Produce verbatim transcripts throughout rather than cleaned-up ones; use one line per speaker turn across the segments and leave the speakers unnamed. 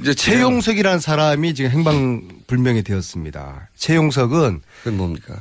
이제 최용석이라는 사람이 지금 행방불명이 되었습니다. 최용석은
그건 뭡니까?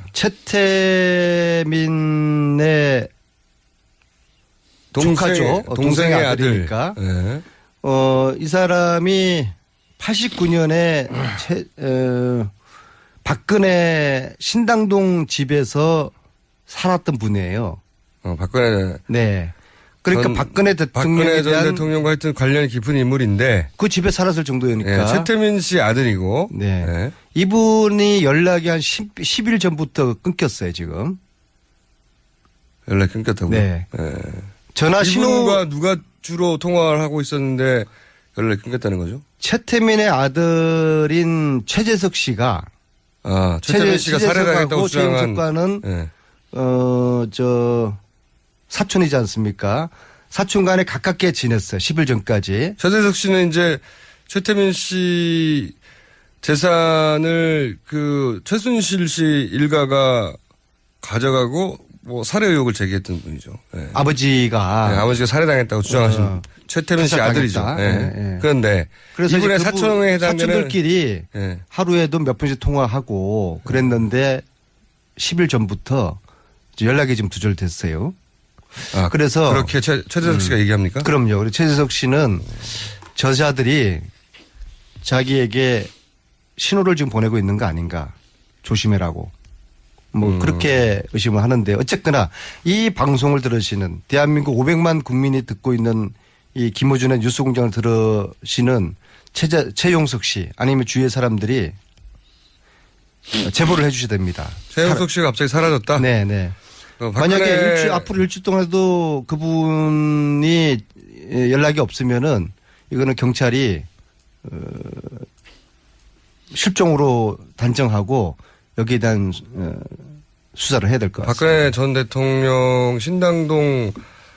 최태민의
동생,
조카죠. 동생의, 동생의 아들이니까.
네.
어, 이 사람이 팔십구 년에 최, 어, 박근혜 신당동 집에서 살았던 분이에요.
어, 박근혜.
네. 그러니까
전,
박근혜 대통령에
박근혜 전
대한
대통령과 하여튼 관련이 깊은 인물인데
그 집에 살았을 정도니까.
네, 최태민 씨 아들이고.
네.
네.
이분이 연락이 한 십 일 전부터 끊겼어요, 지금.
연락 끊겼다고요?
네.
네.
전화 신호.
이분과 누가 주로 통화를 하고 있었는데 연락이 끊겼다는 거죠?
최태민의 아들인 최재석 씨가.
아, 최태민 씨가 살해당했다고 주장한.
최영석과는
네.
어, 저, 사촌이지 않습니까? 사촌 간에 가깝게 지냈어요. 십 일 전까지.
최재석 씨는 이제 최태민 씨 재산을 그 최순실 씨 일가가 가져가고 뭐 살해 의혹을 제기했던 분이죠. 네.
아버지가.
네, 아버지가 살해당했다고 주장하신
어,
최태민 씨 아들이죠. 네.
네, 네.
그런데
그래서
이분의
그분
사촌에 해당되는
사촌들끼리
네.
하루에도 몇 번씩 통화하고 그랬는데 십 일 전부터 연락이 좀 두절됐어요.
아,
그래서
그렇게 최, 최재석 씨가
음,
얘기합니까?
그럼요. 그리고 최재석 씨는 저자들이 자기에게 신호를 지금 보내고 있는 거 아닌가 조심해라고 뭐
음.
그렇게 의심을 하는데 어쨌거나 이 방송을 들으시는 대한민국 오백만 국민이 듣고 있는 이 김어준의 뉴스공장을 들으시는 최재, 최용석 씨 아니면 주위의 사람들이 제보를 해 주셔야 됩니다.
최용석 씨가 갑자기 사라졌다?
네네.
어,
만약에 일주, 앞으로 일주 동안에도 그분이 연락이 없으면은 이거는 경찰이 어, 실종으로 단정하고 여기에 대한 어, 수사를 해야 될 것 같습니다.
박근혜 전 대통령 신당동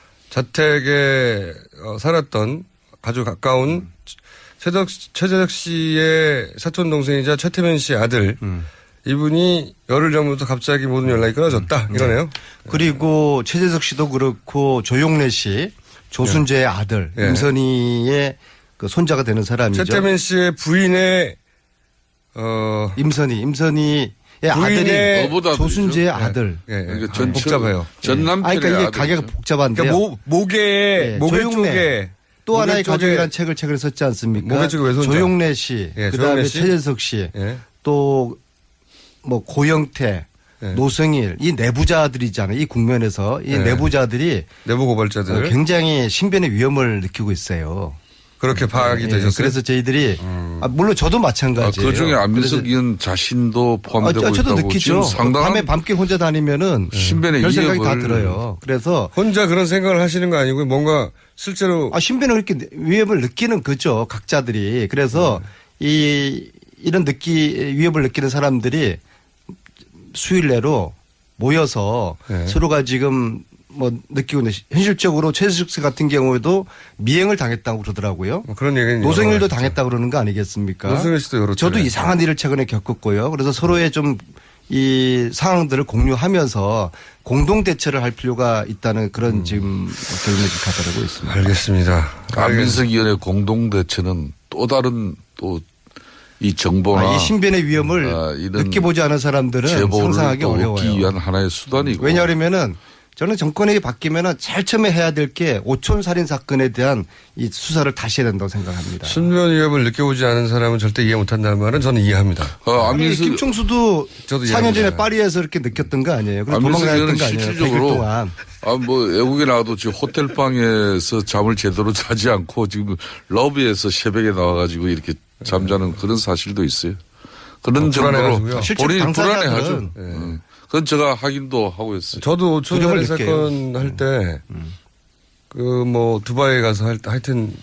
자택에 어, 살았던 아주 가까운 최재석, 최재석 씨의 사촌 동생이자 최태민 씨 아들
음.
이분이 열흘 전부터 갑자기 모든 연락이 끊어졌다 이러네요.
그리고 최재석 씨도 그렇고 조용래 씨 조순재의 아들
네.
임선희의 그 손자가 되는 사람이죠.
최태민 씨의 부인의 어
임선희 임선희의 아들이
어보다
조순재의
네.
아들.
예, 예.
그러니까
아,
전
복잡해요.
전
아,
남편의
그러니까 이게
아들이죠.
가게가 복잡한데요.
그러니까 모, 목에
네,
목에
조용래.
쪽에
또
목에
하나의
쪽에-
가족이라는 책을 최근에 썼지 않습니까?
목에 쪽에 왼손자.
조용래 씨,
예,
그다음에
조용래 씨.
최재석 씨,
예.
또 뭐 고영태,
예.
노승일 이 내부자들이잖아요. 이 국면에서 이
예.
내부자들이
내부 고발자들
굉장히 신변의 위험을 느끼고 있어요.
그렇게 파악이
예,
되셨어요.
그래서 저희들이 아, 물론 저도
아,
마찬가지예요.
그 중에 안민석
그래서-
의원 자신도
아,
포함되고
저도
있다고
느끼죠.
지금 상당한
밤에 밤길 혼자 다니면은
신변의
별 생각이 다
위협을-
들어요. 그래서
혼자 그런 생각을 하시는 거 아니고 뭔가 실제로
아, 신변을 그렇게 위협을 느끼는 거죠. 각자들이. 그래서
네.
이 이런 느끼 위협을 느끼는 사람들이 수일 내로 모여서
네.
서로가 지금 뭐 느끼고 있는 현실적으로 최재석 씨 같은 경우에도 미행을 당했다고 그러더라고요.
뭐 그런 얘기는
노승일도
여러 가지죠.
당했다 그러는 거 아니겠습니까?
노승일 씨도 여러
저도
차례.
이상한 일을 최근에 겪었고요. 그래서 서로의 좀 이 상황들을 공유하면서 공동 대처를 할 필요가 있다는 그런
음.
지금 결론을 가져가고 있습니다.
알겠습니다.
안민석 의원의 공동대처는 또 다른 또 이 정보나
아, 이 신변의 위험을
아, 이런
느껴보지 않은 사람들은
제보를
상상하기
또 얻기
어려워요.
위한 하나의 수단이고.
왜냐하면은 저는 정권이 바뀌면은 제일 처음에 해야 될 게 오촌 살인 사건에 대한 이 수사를 다시 해야 된다고 생각합니다.
신변 위협을 느껴보지 않은 사람은 절대 이해 못한다는 말은 저는 이해합니다.
어,
아니,
안민석
김총수도
저도
사 년 전에
이해합니다.
파리에서 이렇게 느꼈던 거 아니에요? 그래서
안민석
도망다녔던
의원은
거 아니에요? 백 일
실질적으로
동안.
아, 뭐, 외국에 나와도 지금 호텔방에서 잠을 제대로 자지 않고 지금 러비에서 새벽에 나와가지고 이렇게 잠자는 그런 사실도 있어요. 그런
어,
정도로
불안해가지고요.
실제로
본인이
당사자들은-
불안해하죠. 예. 그건 제가 확인도 하고 있어요.
저도 오촌
두려움을
살인
느껴요.
사건 할 때 그 뭐 두바이 가서 할 때 하여튼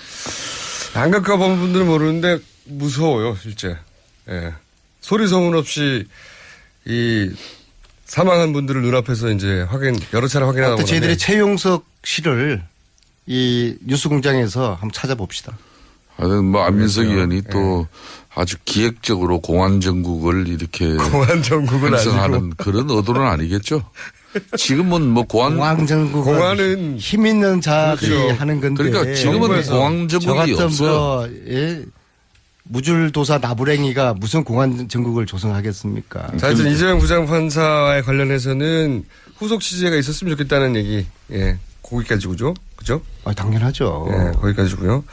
안 가까운 분들은 모르는데 무서워요 실제. 예. 소리 소문 없이 이 사망한 분들을 눈앞에서 이제 확인 여러 차례 확인하다
하여튼
보면
저희들이 최용석 씨를 이 뉴스공장에서 한번 찾아봅시다.
하여튼 뭐 안민석
그렇죠.
의원이 또 아주 기획적으로 공안 정국을 이렇게
공안 정국은 아니고
형성하는 그런 의도는 아니겠죠. 지금은 뭐 공안
공황정국
공안은
힘 있는 자들이
그렇죠.
하는 건데
그러니까 지금은
정부에서
공안
저
정국이
같은
없어요.
뭐 예, 무줄도사 나부랭이가 무슨 공안 정국을 조성하겠습니까?
자, 하여튼 이재명 부장판사에 관련해서는 후속 취재가 있었으면 좋겠다는 얘기. 예. 거기까지고죠. 그죠?
아, 당연하죠.
예, 거기까지고요.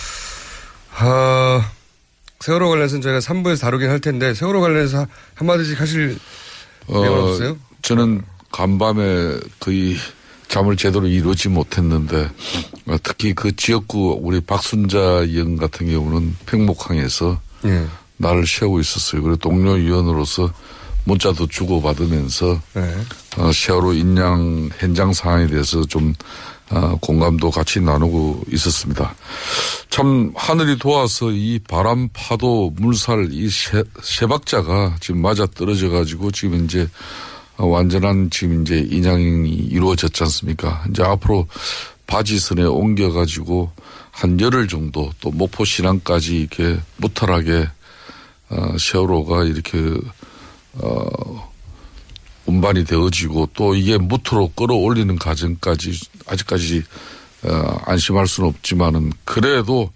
아, 세월호 관련해서는 저희가 삼 부에서 다루긴 할 텐데 세월호 관련해서 한마디씩 하실 내용
어,
없어요?
저는 간밤에 거의 잠을 제대로 이루지 못했는데 어, 특히 그 지역구 우리 박순자 의원 같은 경우는 팽목항에서
예.
나를 세우고 있었어요. 그리고 동료 위원으로서 문자도 주고받으면서
네.
어, 세월호 인양 현장 상황에 대해서 좀 어, 공감도 같이 나누고 있었습니다. 참 하늘이 도와서 이 바람, 파도, 물살 이 세, 세 박자가 지금 맞아 떨어져 가지고 지금 이제 어, 완전한 지금 이제 인양이 이루어졌지 않습니까? 이제 앞으로 바지선에 옮겨 가지고 한 열흘 정도 또 목포 신항까지 이렇게 무탈하게 어, 세월호가 이렇게 어, 운반이 되어지고 또 이게 무트로 끌어올리는 과정까지 아직까지 어, 안심할 수는 없지만은 그래도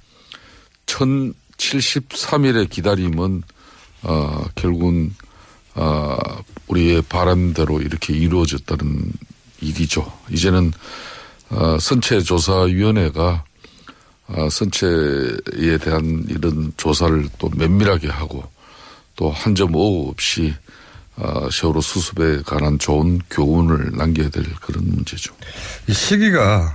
천칠십삼 일의 기다림은 어, 결국은 어, 우리의 바람대로 이렇게 이루어졌다는 일이죠. 이제는 어, 선체조사위원회가 어, 선체에 대한 이런 조사를 또 면밀하게 하고 또 한 점 오후 없이 어, 세월호 수습에 관한 좋은 교훈을 남겨야 될 그런 문제죠.
이 시기가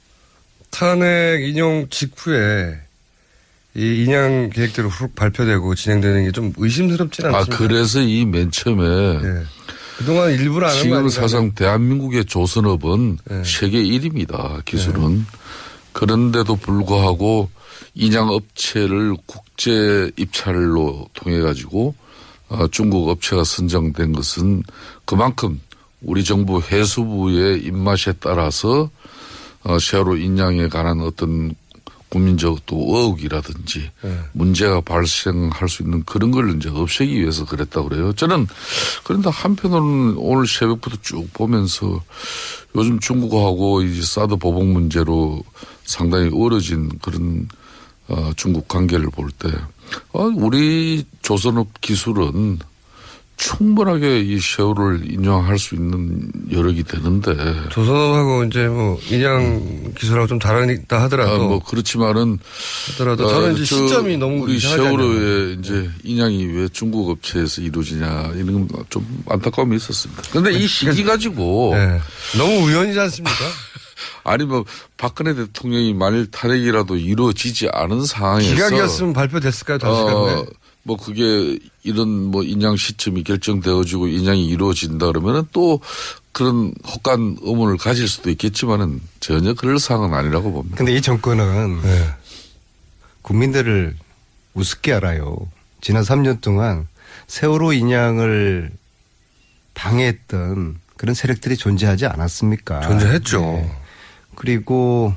탄핵 인용 직후에 이 인양 계획대로 훅 발표되고 진행되는 게 좀 의심스럽지는
아,
않습니까?
그래서 이 맨 처음에
네. 그동안 일부러 안 한 거
지금
아닌가요?
사상 대한민국의 조선업은
네.
세계 일 위입니다. 기술은. 그런데도 불구하고 인양 업체를 국제 입찰로 통해 가지고 어, 중국 업체가 선정된 것은 그만큼 우리 정부 해수부의 입맛에 따라서 어, 세월호 인양에 관한 어떤 국민적 또 의혹이라든지
네.
문제가 발생할 수 있는 그런 걸 이제 없애기 위해서 그랬다고 그래요. 저는 그런데 한편으로는 오늘 새벽부터 쭉 보면서 요즘 중국하고 이제 사드 보복 문제로 상당히 어려진 그런 어, 중국 관계를 볼 때 어, 우리 조선업 기술은 충분하게 이 세월호를 인정할 수 있는 여력이 되는데.
조선업하고 이제 뭐 인양 기술하고 좀 다르다 하더라도.
아, 뭐 그렇지만은.
하더라도 저는 이제
저
시점이 너무
우리
이상하지
세월호의 이제 인양이 왜 중국 업체에서 이루어지냐 이런 좀 안타까움이 있었습니다. 그런데 이 시기 가지고.
네. 너무 우연이지 않습니까?
아니 뭐 박근혜 대통령이 만일 탄핵이라도 이루어지지 않은 상황에서.
기각이었으면 발표됐을까요? 다시
어, 뭐 그게 이런 뭐 인양 시점이 결정되어지고 인양이 이루어진다 그러면은 또 그런 혹한 의문을 가질 수도 있겠지만은 전혀 그럴 상황은 아니라고 봅니다.
근데 이 정권은
네.
국민들을 우습게 알아요. 지난 삼 년 동안 세월호 인양을 방해했던 그런 세력들이 존재하지 않았습니까?
존재했죠.
네. 그리고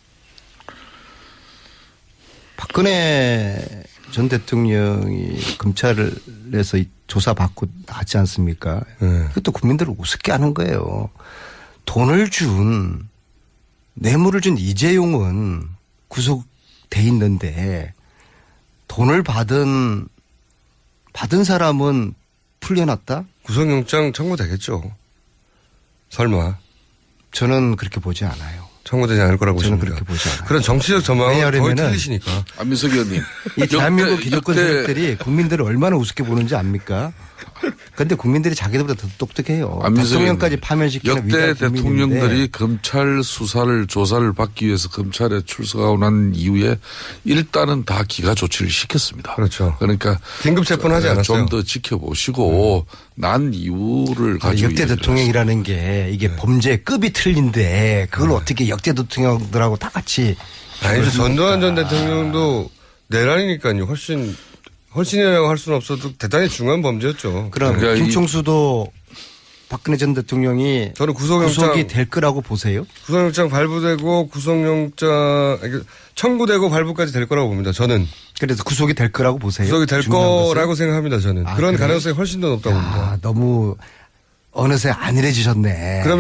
박근혜 전 대통령이 검찰에서 조사받고 나왔지 않습니까?
네.
그것도 국민들을 우습게 하는 거예요. 돈을 준, 뇌물을 준 이재용은 구속돼 있는데 돈을 받은, 받은 사람은 풀려났다?
구속영장 청구되겠죠. 설마.
저는 그렇게 보지 않아요.
청구되지 않을 거라고
저는
보십니다.
그렇게 보지 않아요.
그런 정치적 전망은 거의
왜냐하면은
틀리시니까.
안민석 의원님.
이 대한민국
역대-
기득권
역대-
세력들이 국민들을 얼마나 우습게 보는지 압니까? 그런데 국민들이 자기들보다 더 똑똑해요.
안민석
대통령까지
의원님.
파면시키는
역대
위대한 국민인데
대통령들이 검찰 수사를 조사를 받기 위해서 검찰에 출석하고 난 이후에 일단은 다 기가 조치를 시켰습니다.
그렇죠.
그러니까
긴급 체포는 하지 않았어요.
좀 더 지켜보시고 난 이유를
아니,
가지고
역대
얘기를
대통령이라는 게 이게 범죄의 급이 틀린데 그걸 어떻게 역대 대통령들하고 다 같이
아니죠. 전두환 전 대통령도 내란이니까요. 훨씬, 훨씬이라고 할 수는 없어도 대단히 중요한 범죄였죠.
그럼
그러니까 이-
김총수도 박근혜 전 대통령이
저는 구속영장,
구속이 될 거라고 보세요?
구속영장 발부되고 구속영장, 아니, 청구되고 발부까지 될 거라고 봅니다. 저는.
그래서 구속이 될 거라고 보세요?
구속이 될
중요한 것은?
거라고 생각합니다. 저는.
아,
그런
그래요?
가능성이 훨씬 더 높다고 봅니다.
아, 너무 어느새 안일해지셨네.
그러면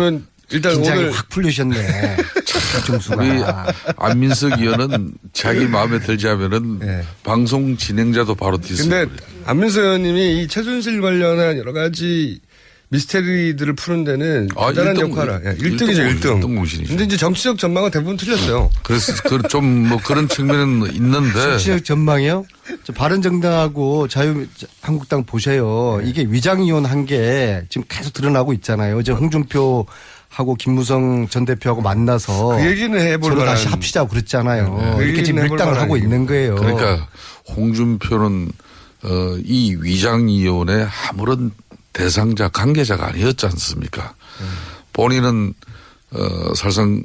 일단
긴장이
오늘
확 풀리셨네. 정수가.
우리 안민석 의원은 자기 마음에 들지 하면은
네.
방송 진행자도 바로 뒤집어요.
근데 안민석 의원님이 이 최순실 관련한 여러 가지 미스테리들을 푸는 데는
아,
대단한
일등,
역할을. 예, 일 등이죠, 일 등.
일 등 공신이죠.
근데 이제 정치적 전망은 대부분 틀렸어요.
그래서 좀 뭐 그런 측면은 있는데
정치적 전망이요? 저 바른정당하고 자유한국당 보세요. 이게 위장이혼 한 게 지금 계속 드러나고 있잖아요. 어제 홍준표 하고 김무성 전 대표하고 만나서
그 얘기는 해볼
서로
만한.
다시 합시자고 그랬잖아요.
그
이렇게 지금
얘기는 해볼
밀당을
만한
하고 있는 거예요.
그러니까 홍준표는 어, 이 위장이혼의 아무런 대상자 관계자가 아니었지 않습니까? 음. 본인은 어, 사실상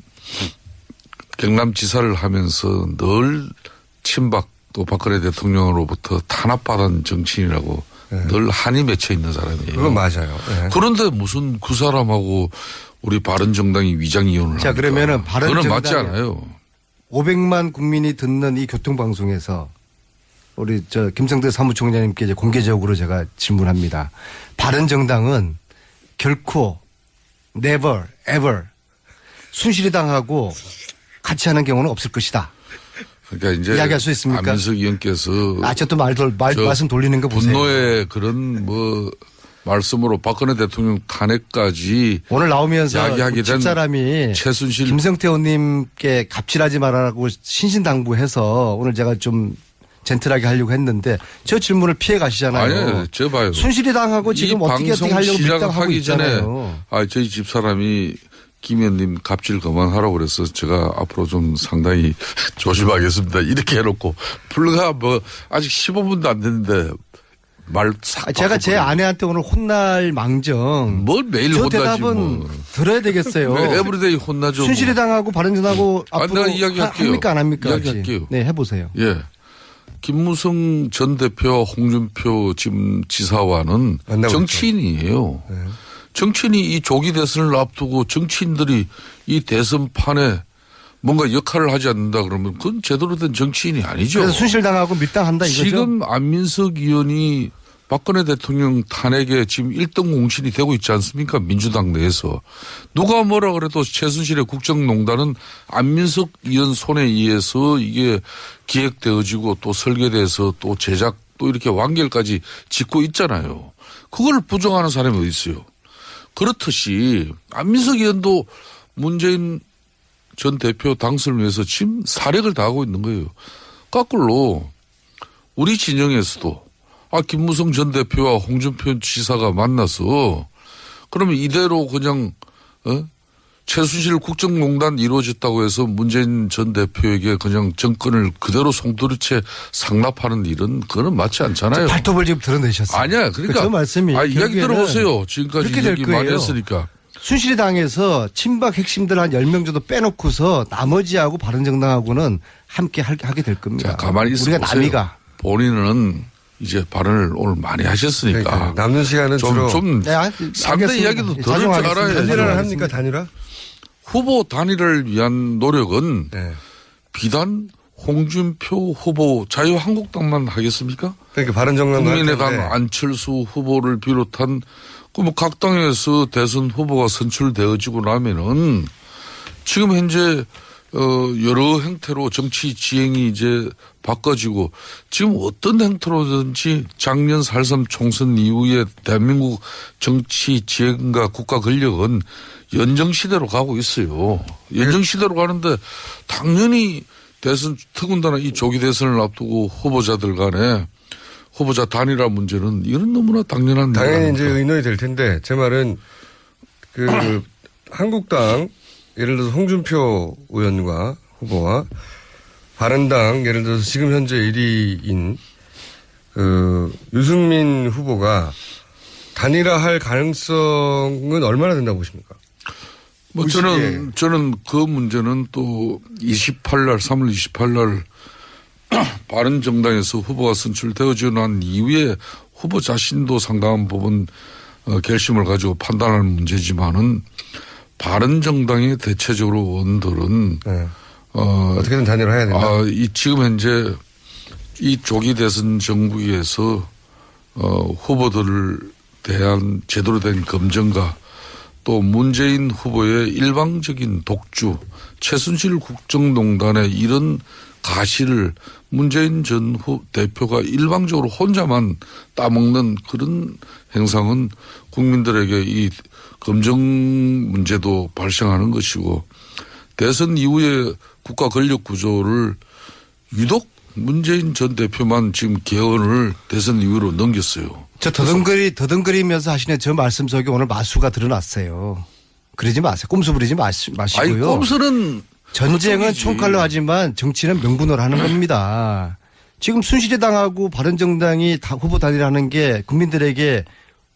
경남지사를 하면서 늘 친박 또 박근혜 대통령으로부터 탄압받은 정치인이라고 네. 늘 한이 맺혀 있는 사람이에요.
그건 맞아요. 네.
그런데 무슨 그 사람하고 우리 바른정당이 위장이혼을
자,
합니까?
그러면은
그건 맞지
바른정당의
않아요.
오백만 국민이 듣는 이 교통방송에서 우리 저 김성대 사무총장님께 이제 공개적으로 제가 질문합니다. 바른정당은 결코 never ever 순실이당하고 같이 하는 경우는 없을 것이다.
그러니까 이제
이야기할 수 있습니까?
안민석 의원께서
아, 저 또 말, 말, 말씀 돌리는 거 보세요.
분노의 그런 뭐 말씀으로 박근혜 대통령 탄핵까지
오늘 나오면서
이야기하게 된
집사람이
최순실
김성태 의원님께 갑질하지 말라고 신신당부해서 오늘 제가 좀 젠틀하게 하려고 했는데 저 질문을 피해 가시잖아요.
아니요, 저 봐요.
순실이당하고 지금 어떻게 어떻게 하려고 밀당하고 있잖아요.
아, 저희 집사람이 김 의원님 갑질 그만하라고 그래서 제가 앞으로 좀 상당히 조심하겠습니다. 이렇게 해놓고 불과 뭐 아직 십오 분도 안 됐는데 말 싹.
제가 제 아내한테 오늘 혼날 망정.
뭘 매일
저
혼나지
대답은
뭐.
들어야 되겠어요.
에브리데이 혼나죠.
순실이당하고 바른정당하고
아,
앞으로
내가 이야기할게요.
합니까 안 합니까?
이야기할게요.
네, 해보세요.
예. 김무성 전 대표와 홍준표 지금 지사와는 정치인이에요. 네. 정치인이 이 조기 대선을 앞두고 정치인들이 이 대선판에 뭔가 역할을 하지 않는다 그러면 그건 제대로 된 정치인이 아니죠.
그래서 순실당하고 밀당한다 이거죠.
지금 안민석 의원이 박근혜 대통령 탄핵에 지금 일 등 공신이 되고 있지 않습니까? 민주당 내에서. 누가 뭐라 그래도 최순실의 국정농단은 안민석 의원 손에 의해서 이게 기획되어지고 또 설계돼서 또 제작 또 이렇게 완결까지 짓고 있잖아요. 그걸 부정하는 사람이 어디 있어요. 그렇듯이 안민석 의원도 문재인 전 대표 당선을 위해서 지금 사력을 다하고 있는 거예요. 거꾸로 우리 진영에서도 아, 김무성 전 대표와 홍준표 지사가 만나서 그러면 이대로 그냥 어? 최순실 국정농단 이루어졌다고 해서 문재인 전 대표에게 그냥 정권을 그대로 송두리째 상납하는 일은 그거는 맞지 않잖아요.
발톱을 지금 드러내셨어요.
아니야. 그러니까.
그 말씀이.
아, 이야기 들어보세요. 지금까지
그렇게 될
얘기
거예요.
많이 했으니까.
순실이당에서 친박 핵심들 한 열 명 정도 빼놓고서 나머지하고 바른정당하고는 함께 하게 될 겁니다.
자, 가만히 있어
우리가
보세요.
남이가.
본인은 이제 발언을 오늘 많이 하셨으니까.
그러니까 남는 시간은
좀,
주로.
좀
네, 알-
상대
알겠습니다.
이야기도
예,
들을 줄
자중하겠습니다.
알아야
단일화를 합니까, 단일화?
후보 단일화를 위한 노력은
네.
비단 홍준표 후보 자유한국당만 하겠습니까?
그러니까 바른정당도
국민의당 안철수 후보를 비롯한 그 뭐 각 당에서 대선 후보가 선출되어지고 나면은 지금 현재 어 여러 형태로 정치 지행이 이제 바꿔지고 지금 어떤 형태로든지 작년 사점삼 총선 이후에 대한민국 정치 지행과 국가 권력은 연정시대로 가고 있어요. 연정시대로 가는데 당연히 대선 더군다나 이 조기 대선을 앞두고 후보자들 간에 후보자 단일화 문제는 이건 너무나 당연한
당연히 이제 의논이 될 텐데 제 말은 그 한국당 예를 들어서 홍준표 의원과 후보와 바른당 예를 들어서 지금 현재 일 위인 그 유승민 후보가 단일화할 가능성은 얼마나 된다고 보십니까?
뭐 저는 저는 그 문제는 또 이십팔 날 삼월 이십팔 날 바른정당에서 후보가 선출되어지고 난 이후에 후보 자신도 상당한 부분 결심을 가지고 판단하는 문제지만은 바른정당의 대체적으로 원들은
네.
어,
어떻게든 단일화해야 된다.
아, 이 지금 현재 이 조기 대선 정국에서 어, 후보들을 대한 제대로 된 검증과 또 문재인 후보의 일방적인 독주, 최순실 국정농단의 이런 가시를 문재인 전 후 대표가 일방적으로 혼자만 따먹는 그런 행상은 국민들에게 이 검증 문제도 발생하는 것이고 대선 이후에 국가 권력 구조를 유독 문재인 전 대표만 지금 개헌을 대선 이후로 넘겼어요.
저 더듬거리, 더듬거리면서 하시는 저 말씀 속에 오늘 마수가 드러났어요. 그러지 마세요. 꼼수 부리지 마시, 마시고요.
아니, 꼼수는
전쟁은
그쪽이지.
총칼로 하지만 정치는 명분으로 하는 겁니다. 지금 순실이당하고 바른정당이 다 후보 단일하는 게 국민들에게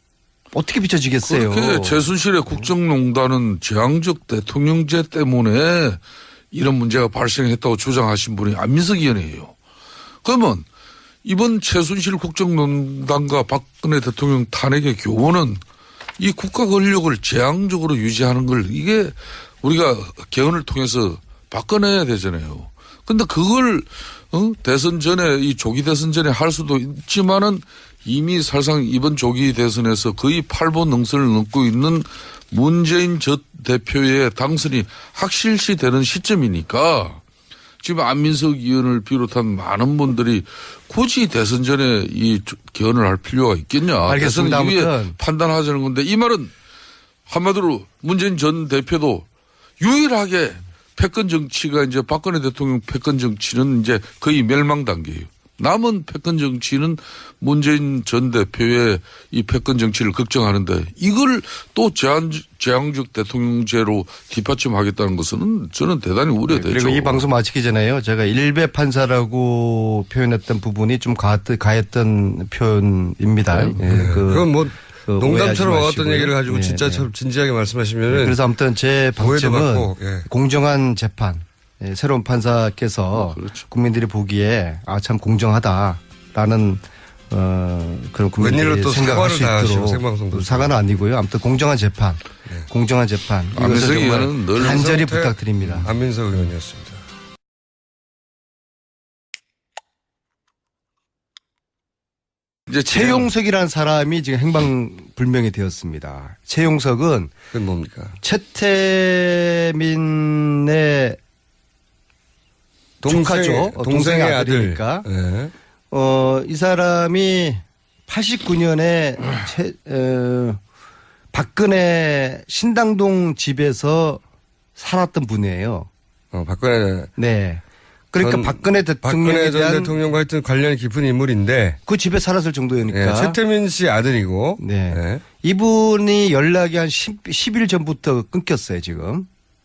어떻게 비춰지겠어요.
그렇게 최순실의 국정농단은 재앙적 대통령제 때문에 이런 문제가 발생했다고 주장하신 분이 안민석 의원이에요. 그러면 이번 최순실 국정농단과 박근혜 대통령 탄핵의 교훈은 이 국가 권력을 재앙적으로 유지하는 걸 이게 우리가 개헌을 통해서 바꿔내야 되잖아요. 근데 그걸 어? 대선 전에 이 조기 대선 전에 할 수도 있지만은 이미 사실상 이번 조기 대선에서 거의 팔 보 능선을 넘고 있는 문재인 전 대표의 당선이 확실시 되는 시점이니까 지금 안민석 의원을 비롯한 많은 분들이 굳이 대선 전에 이 개헌을 할 필요가 있겠냐.
알겠습니다.
대선 이후에
아무튼.
판단하자는 건데 이 말은 한마디로 문재인 전 대표도 유일하게 패권 정치가 이제 박근혜 대통령 패권 정치는 이제 거의 멸망 단계예요. 남은 패권 정치는 문재인 전 대표의 이 패권 정치를 걱정하는데 이걸 또 재앙, 재앙적 대통령제로 뒷받침하겠다는 것은 저는 대단히 우려되죠.
그리고 이 방송 마치기 전에요. 제가 일배 판사라고 표현했던 부분이 좀 가, 가했던 표현입니다.
네.
예, 그,
그건 뭐
그
농담처럼
오해하지
와갔던
마시고요.
얘기를 가지고
네,
진짜
네.
참 진지하게 말씀하시면은
그래서 아무튼 제
오해도
방점은
받고, 예.
공정한 재판, 예, 새로운 판사께서
어, 그렇죠.
국민들이 보기에 아 참 공정하다라는 어, 그런 국민들이
웬일로 또
생각할
사과를
수
다 하시고
있도록
생방송도
사과는 아니고요. 아무튼 공정한 재판, 공정한 재판 이것을
안민석
정말
의원은 늘
간절히
성태-
부탁드립니다.
안민석 의원이었습니다.
이제
최용석이라는 사람이 지금 행방불명이 되었습니다. 최용석은
그건 뭡니까?
최태민의 조카죠. 어, 동생의 아들이니까.
네.
어, 이 사람이 팔십구 년에 최, 어, 박근혜 신당동 집에서 살았던 분이에요.
어, 박근혜
네. 그러니까
전-
박근혜 대통령에
박근혜 전
대한
대통령과 하여튼 관련이 깊은 인물인데
그 집에 살았을 정도니까.
예, 최태민 씨 아들이고
네.
예.
이분이 연락이 한 십 일 전부터 끊겼어요, 지금.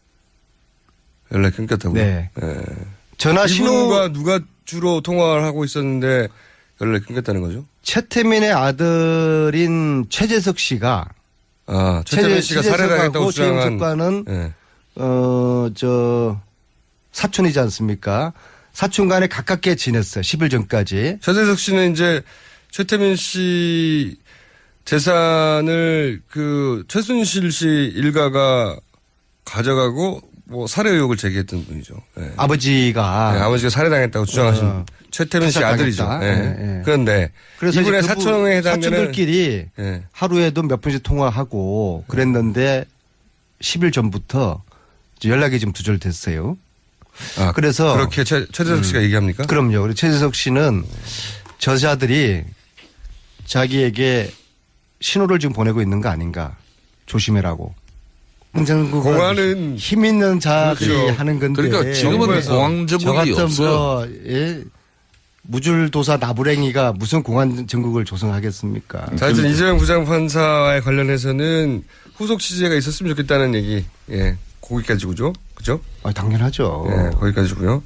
연락 끊겼다고요?
네.
예.
전화 신호
이분과 누가 주로 통화를 하고 있었는데 연락이 끊겼다는 거죠?
최태민의 아들인 최재석 씨가
아, 최태민 씨가 살해당했다고 주장한
최영석과는
예.
어, 저 사촌이지 않습니까? 사촌 간에 가깝게 지냈어요. 십 일 전까지.
최재석 씨는 이제 최태민 씨 재산을 그 최순실 씨 일가가 가져가고 뭐 살해 의혹을 제기했던 분이죠. 예.
아버지가
네, 아버지가 살해당했다고 주장하신
어,
최태민 씨
탈락당했다.
아들이죠. 예.
예, 예.
그런데
그래서
이분의
이제 그분
사촌에 해당되는
사촌들끼리
예.
하루에도 몇 번씩 통화하고 그랬는데 십 일 전부터 이제 연락이 좀 두절됐어요.
아,
그래서
그렇게 최, 최재석 씨가 얘기합니까?
그럼요. 그리고 최재석 씨는 저자들이 자기에게 신호를 지금 보내고 있는 거 아닌가 조심해라고. 공장국은
공안은
힘 있는 자들이
그렇죠.
하는 건데.
그러니까 지금은
정부에서
공황
저
정국이
같은
없어요.
뭐 예? 무줄도사 나부랭이가 무슨 공안 정국을 조성하겠습니까?
자, 하여튼 이재명 부장판사에 관련해서는 후속 취재가 있었으면 좋겠다는 얘기. 예. 거기까지고죠. 그죠?
아, 당연하죠.
예, 거기까지고요.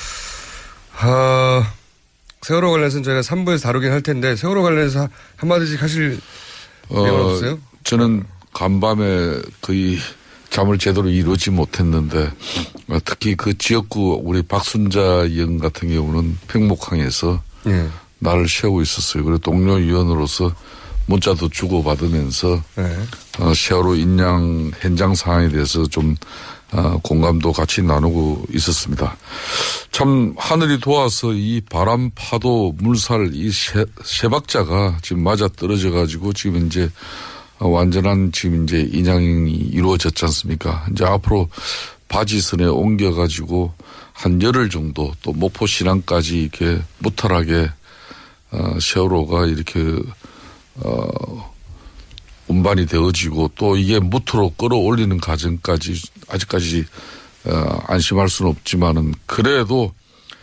아, 세월호 관련해서는 저희가 삼 부에서 다루긴 할 텐데 세월호 관련해서 한마디씩 하실 내용
어,
없어요?
저는 간밤에 거의 잠을 제대로 이루지 못했는데 어, 특히 그 지역구 우리 박순자 의원 같은 경우는 팽목항에서
예.
나를 세우고 있었어요. 그리고 동료 위원으로서 문자도 주고받으면서
예.
어, 세월호 인양 현장 상황에 대해서 좀 어, 공감도 같이 나누고 있었습니다. 참 하늘이 도와서 이 바람, 파도, 물살 이 세, 세 박자가 지금 맞아 떨어져 가지고 지금 이제 어, 완전한 지금 이제 인양이 이루어졌지 않습니까? 이제 앞으로 바지선에 옮겨가지고 한 열흘 정도 또 목포 신항까지 이렇게 무탈하게 어, 세월호가 이렇게 어, 운반이 되어지고 또 이게 무트로 끌어올리는 과정까지 아직까지 어, 안심할 수는 없지만은 그래도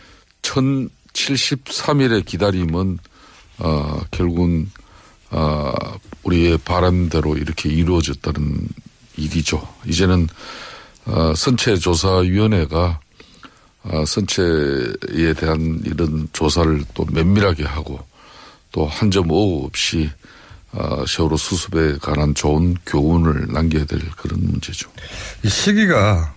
천칠십삼 일의 기다림은 어, 결국은 어, 우리의 바람대로 이렇게 이루어졌다는 일이죠. 이제는 어, 선체조사위원회가 어, 선체에 대한 이런 조사를 또 면밀하게 하고 또 한 점 오후 없이 어, 세월호 수습에 관한 좋은 교훈을 남겨야 될 그런 문제죠.
이 시기가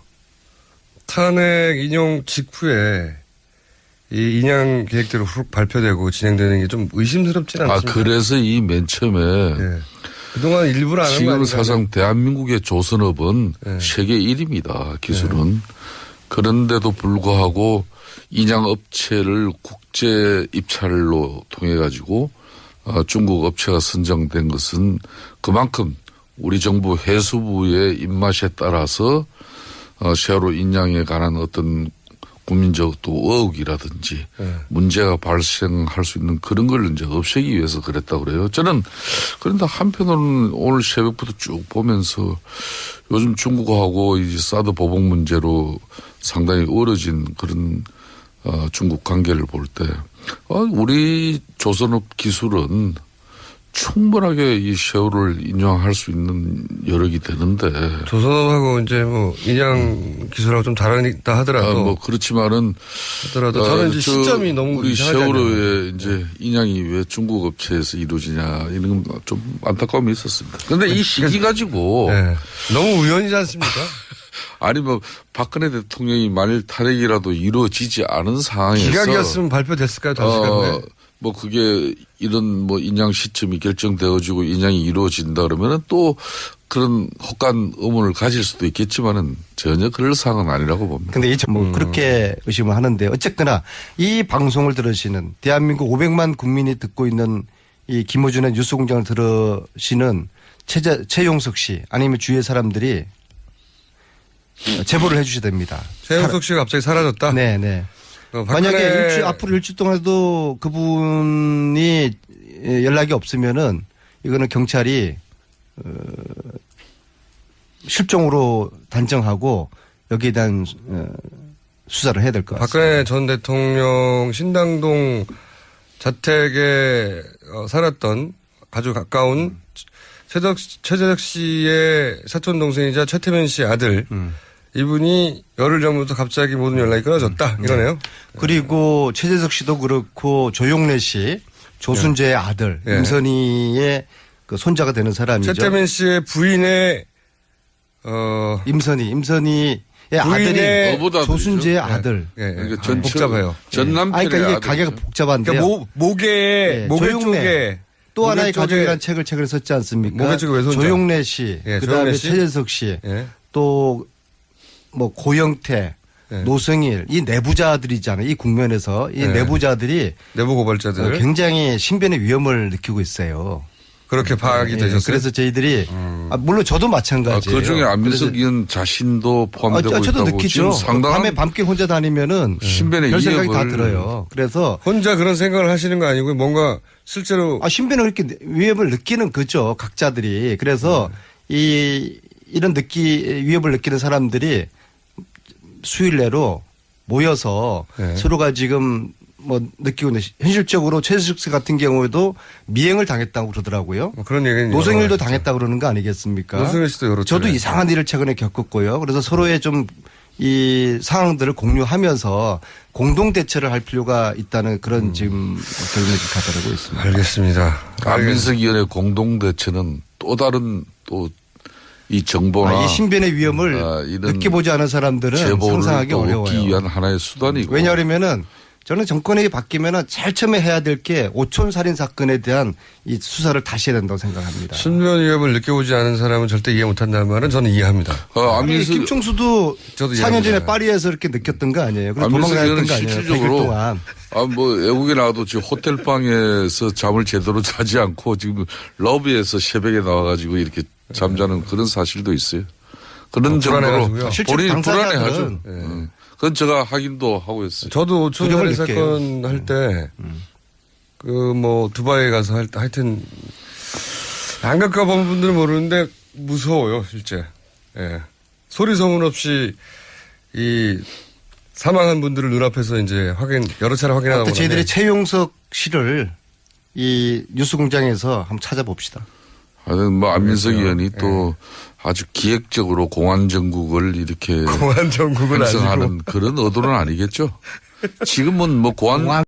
탄핵 인용 직후에 이 인양 계획대로 훅 발표되고 진행되는 게 좀 의심스럽지는
아,
않습니까?
그래서 이 맨 처음에
네. 그동안 일부러 안 한 거
지금
아닌가요?
사상 대한민국의 조선업은
네.
세계 일 위입니다. 기술은. 그런데도 불구하고 인양업체를 국제 입찰로 통해 가지고 어, 중국 업체가 선정된 것은 그만큼 우리 정부 해수부의 입맛에 따라서 어, 세월호 인양에 관한 어떤 국민적 또 의혹이라든지
네.
문제가 발생할 수 있는 그런 걸 이제 없애기 위해서 그랬다고 그래요. 저는 그런데 한편으로는 오늘 새벽부터 쭉 보면서 요즘 중국하고 이 사드 보복 문제로 상당히 어려진 그런 어, 중국 관계를 볼 때 어, 우리 조선업 기술은 충분하게 이 세월을 인용할 수 있는 여력이 되는데.
조선업하고 이제 뭐 인양 기술하고 좀 다르다 하더라도.
아, 뭐 그렇지만은.
하더라도 저는 이제
저
시점이 너무
우리
이상하지
세월호에
않나요?
이제 인양이 왜 중국 업체에서 이루어지냐 이런 좀 안타까움이 있었습니다. 그런데 이 시기 가지고.
네. 너무 우연이지 않습니까?
아니 뭐 박근혜 대통령이 만일 탄핵이라도 이루어지지 않은 상황에서.
기각이었으면 발표됐을까요? 다시
어,
가면.
뭐 그게 이런 뭐 인양 시점이 결정되어지고 인양이 이루어진다 그러면은 또 그런 혹한 의문을 가질 수도 있겠지만은 전혀 그럴 상황은 아니라고 봅니다.
근데 이제 뭐 그렇게 의심을 하는데 어쨌거나 이 방송을 들으시는 대한민국 오백만 국민이 듣고 있는 이 김어준의 뉴스공장을 들으시는 최재, 최용석 씨 아니면 주위의 사람들이 제보를 해 주셔야 됩니다.
최영석 씨가 갑자기 사라졌다?
네, 네.
어,
만약에
박근혜-
일주, 앞으로 일주 동안도 그분이 연락이 없으면은 이거는 경찰이 어, 실종으로 단정하고 여기에 대한 어, 수사를 해야 될 것 같습니다.
박근혜 전 대통령 신당동 자택에 어, 살았던 아주 가까운 최덕, 최재덕 씨의 사촌 동생이자 최태민 씨 아들
음.
이분이 열흘 전부터 갑자기 모든 연락이 끊어졌다 이러네요.
그리고 최재석 씨도 그렇고 조용래 씨 조순재의 아들
예.
임선희의 그 손자가 되는 사람이죠.
최태민 씨의 부인의 어
임선희, 임선희의
부인의
아들이
어보다
조순재의
들이죠.
아들.
예, 예.
그러니까
아,
전
복잡해요.
전
아,
남편의
그러니까 이게
아들이죠.
가게가 복잡한데요.
그러니까 모, 목에
예,
목에
조용래.
쪽에
또 하나의
목에 쪽에-
가족이라는 책을 책을 썼지 않습니까?
목에 쪽에 왼손자.
조용래 씨,
예,
그다음에
조용래 씨.
최재석 씨,
예.
또 뭐 고영태,
예.
노승일 이 내부자들이잖아요. 이 국면에서 이
예.
내부자들이
내부 고발자들
굉장히 신변의 위험을 느끼고 있어요.
그렇게 파악이
예,
되셨어요.
그래서 저희들이 아, 물론 저도
아,
마찬가지예요.
그 중에 안민석
그래서-
의원 자신도
아,
포함되고
저- 저도
있다고
느끼죠.
지금 상당한
밤에 밤길 혼자 다니면은
신변의
별 생각이 다
위협을-
들어요. 그래서
혼자 그런 생각을 하시는 거 아니고 뭔가 실제로
아, 신변을 그렇게 위협을 느끼는 거죠. 각자들이. 그래서 이 이런 느끼 위협을 느끼는 사람들이 수일 내로 모여서
네.
서로가 지금 뭐 느끼고 있는 현실적으로 최수식 씨 같은 경우에도 미행을 당했다고 그러더라고요.
뭐 그런 얘기는
노승일도
여러 가지
당했다 그러는 거 아니겠습니까?
노승일 씨도 여러
저도
차례.
이상한 일을 최근에 겪었고요. 그래서 서로의 좀 이 상황들을 공유하면서 공동 대처를 할 필요가 있다는 그런
음.
지금 결론을 가져오고 있습니다.
알겠습니다.
안민석 의원의 공동 대처는 또 다른 또 이 정보나
아, 이 신변의 위험을
아, 이런
느껴보지 않은 사람들은
제보를
상상하기
또 얻기
어려워요.
위한 하나의 수단이고
왜냐하면은 저는 정권이 바뀌면은 제일 처음에 해야 될 게 오촌 살인 사건에 대한 이 수사를 다시 해야 된다고 생각합니다.
신변 위협을 느껴보지 않은 사람은 절대 이해 못한다는 말은 저는 이해합니다.
어,
아니,
안민석
김총수도
저도
사 년 전에
이해합니다.
파리에서 이렇게 느꼈던 거 아니에요? 그래서
안민석
도망다녔던
의원은
거 아니에요? 백 일
실질적으로
동안.
아, 뭐, 외국에 나와도 지금 호텔방에서 잠을 제대로 자지 않고 지금 러비에서 새벽에 나와가지고 이렇게 잠자는 그런 사실도 있어요. 그런
어,
정도로
불안해가지고요.
실제
본인이
당사자들은
불안해하죠.
예.
음. 그건 제가 확인도 하고 있어요.
저도 오촌
두려움을
살인
느껴요.
사건 할 때 그 뭐 두바이 가서 할 때 하여튼 안 가까운 분들은 모르는데 무서워요 실제. 예. 소리 소문 없이 이 사망한 분들을 눈앞에서 이제 확인 여러 차례 확인하고
그때 저희들이 최용석 씨를 이 뉴스공장에서 한번 찾아봅시다.
하여튼 뭐 안민석
그래서요.
의원이 또 아주 기획적으로 공안 정국을 이렇게
공안 정국은 아니고
형성하는 그런 의도는 아니겠죠. 지금은 뭐 공안